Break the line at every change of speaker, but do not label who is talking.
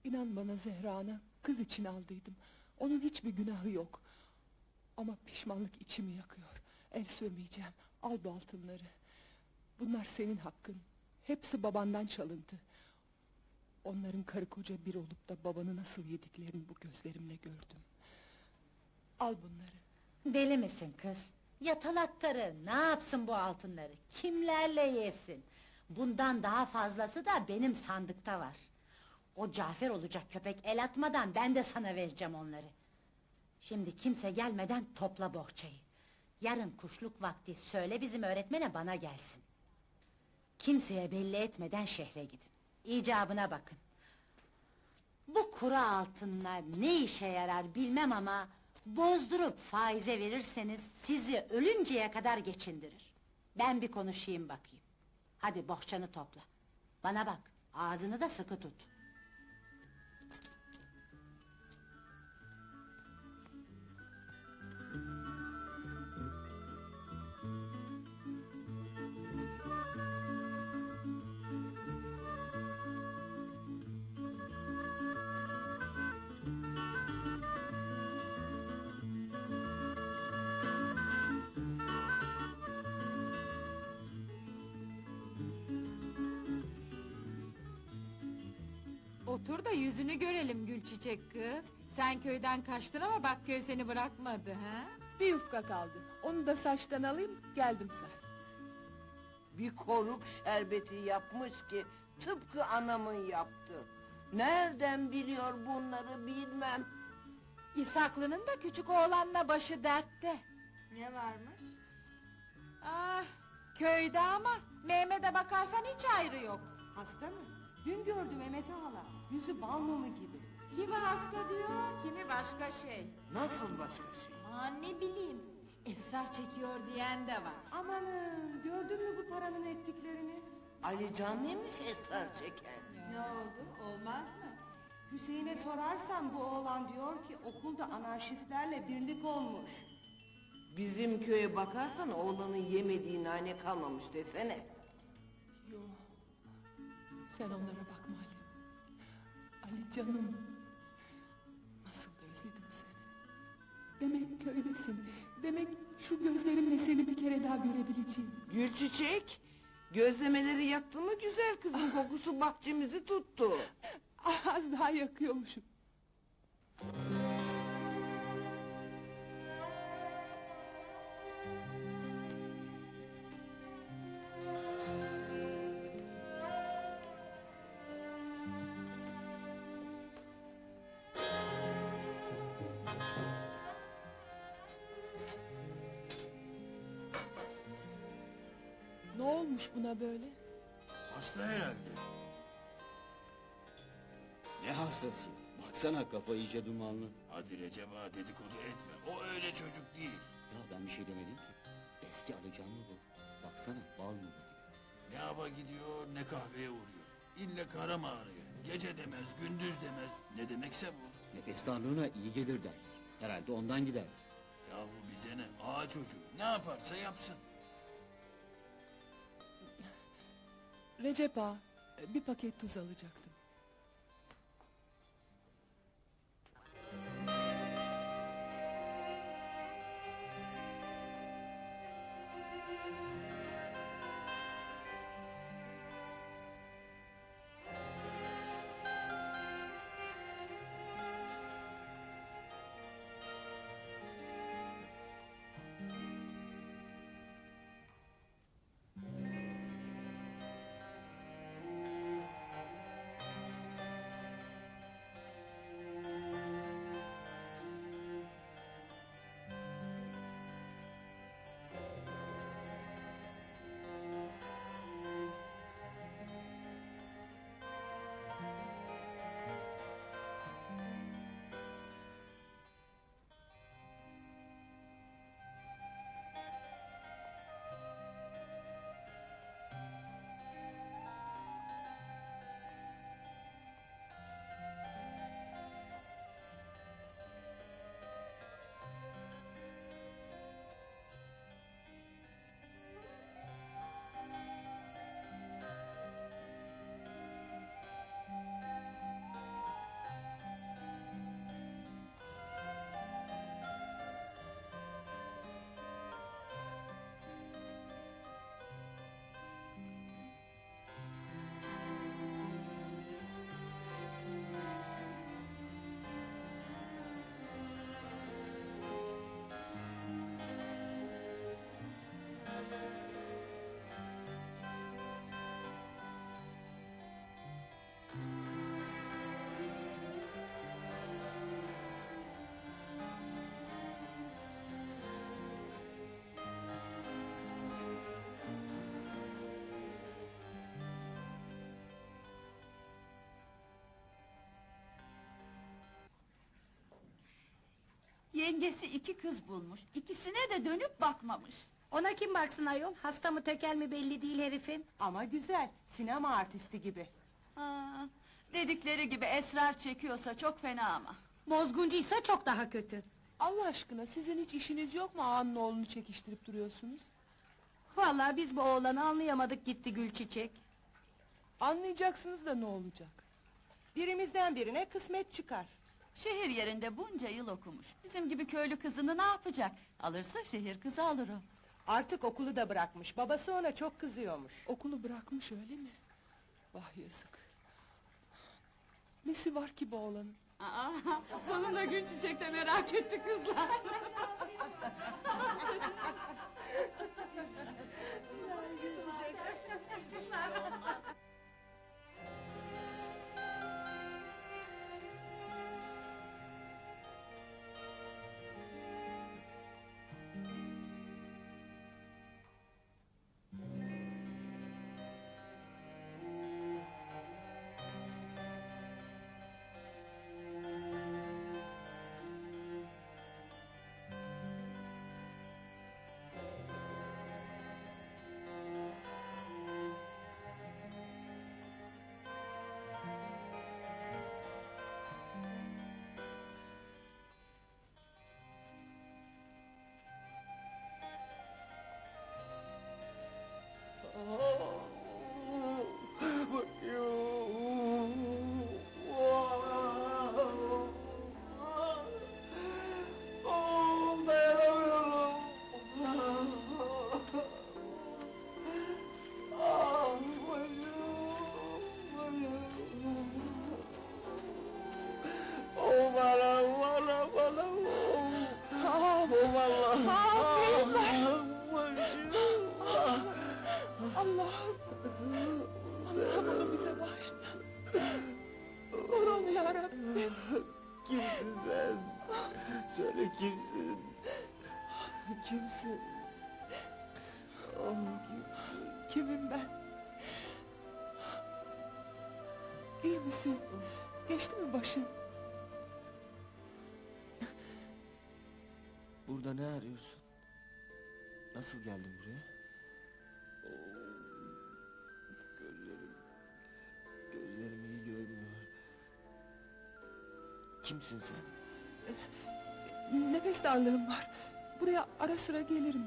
İnan bana Zehra ana, kız için aldıydım. Onun hiçbir günahı yok. Ama pişmanlık içimi yakıyor. El sürmeyeceğim, al bu altınları. Bunlar senin hakkın. Hepsi babandan çalıntı. Onların karı koca bir olup da babanı nasıl yediklerini bu gözlerimle gördüm. Al bunları.
Deli misin kız? Yatalak karı, ne yapsın bu altınları? Kimlerle yesin? Bundan daha fazlası da benim sandıkta var. O Cafer olacak köpek el atmadan ben de sana vereceğim onları. Şimdi kimse gelmeden topla bohçayı. Yarın kuşluk vakti söyle bizim öğretmene bana gelsin. Kimseye belli etmeden şehre gidin. İcabına bakın. Bu kuru altınlar ne işe yarar bilmem ama... ...bozdurup faize verirseniz sizi ölünceye kadar geçindirir. Ben bir konuşayım bakayım. Hadi bohçanı topla. Bana bak, ağzını da sıkı tut.
Otur da yüzünü görelim Gülçiçek kız. Sen köyden kaçtın ama bak köy seni bırakmadı ha?
Bir yufka kaldı. Onu da saçtan alayım, geldim say.
Bir koruk şerbeti yapmış ki tıpkı anamın yaptığı. Nereden biliyor bunları bilmem.
İshaklı'nın da küçük oğlanla başı dertte. Ne varmış? Ah, köyde ama Mehmet'e bakarsan hiç ayrı yok.
Hasta mı? Dün gördüm Mehmet'i hala. Yüzü bal mumu gibi.
Kimi hasta diyor, kimi başka şey.
Nasıl başka şey?
Aman ne bileyim, esrar çekiyor diyen de var.
Amanın gördün mü bu paranın ettiklerini?
Ali Can mıymış esrar çeken?
Ne oldu? Olmaz mı? Hüseyin'e sorarsan bu oğlan diyor ki okulda anarşistlerle birlik olmuş.
Bizim köye bakarsan oğlanın yemediği nane kalmamış desene.
Yo, sen onlara bakma Ali. Ali canım. Nasıl da özledim seni. Demek köydesin. Demek şu gözlerimle seni bir kere daha görebileceğim.
Gülçiçek, gözlemeleri yaktı mı güzel kızın kokusu bahçemizi tuttu.
Az daha yakıyormuşum. Ne olmuş buna böyle?
Hasta herhalde.
Ne hastası? Baksana kafa iyice dumanlı.
Hadi Recep ağa dedikodu etme. O öyle çocuk değil.
Ya ben bir şey demedim ki. Eski alacağım mı bu? Baksana bal mı bu gibi.
Ne hava gidiyor ne kahveye uğruyor. İlle kara mağaraya. Gece demez, gündüz demez. Ne demekse bu.
Nefes darlığına iyi gelir derler. Herhalde ondan gider.
Yahu bize ne? Ağa çocuğu. Ne yaparsa yapsın.
Recep ağa, bir paket tuz alacaktım.
Yengesi 2 kız bulmuş. İkisine de dönüp bakmamış.
Ona kim baksın ayol? Hasta mı tökel mi belli değil herifin.
Ama güzel, sinema artisti gibi.
Ha, dedikleri gibi esrar çekiyorsa çok fena ama.
Bozguncuysa çok daha kötü.
Allah aşkına sizin hiç işiniz yok mu ağanın oğlunu çekiştirip duruyorsunuz?
Vallahi biz bu oğlanı anlayamadık gitti Gülçiçek.
Anlayacaksınız da ne olacak?
Birimizden birine kısmet çıkar.
Şehir yerinde bunca yıl okumuş. Bizim gibi köylü kızını ne yapacak? Alırsa şehir kızı alır o.
Artık okulu da bırakmış, babası ona çok kızıyormuş.
Okulu bırakmış öyle mi? Vah yazık. Nesi var ki bu oğlanın?
Aa, sonunda Gülçiçek de merak etti kızlar.
Allah'ım! Allah'ım onu bize bağışla! Korum yarabbim!
Kimsin sen? Söyle kimsin? Kimsin? Oh, kimsin?
Kimim ben? İyi misin? Geçti mi başın?
Burada ne arıyorsun? Nasıl geldin buraya? Gözlerim iyi görmüyor. Kimsin sen?
Nefes darlığım var. Buraya ara sıra gelirim.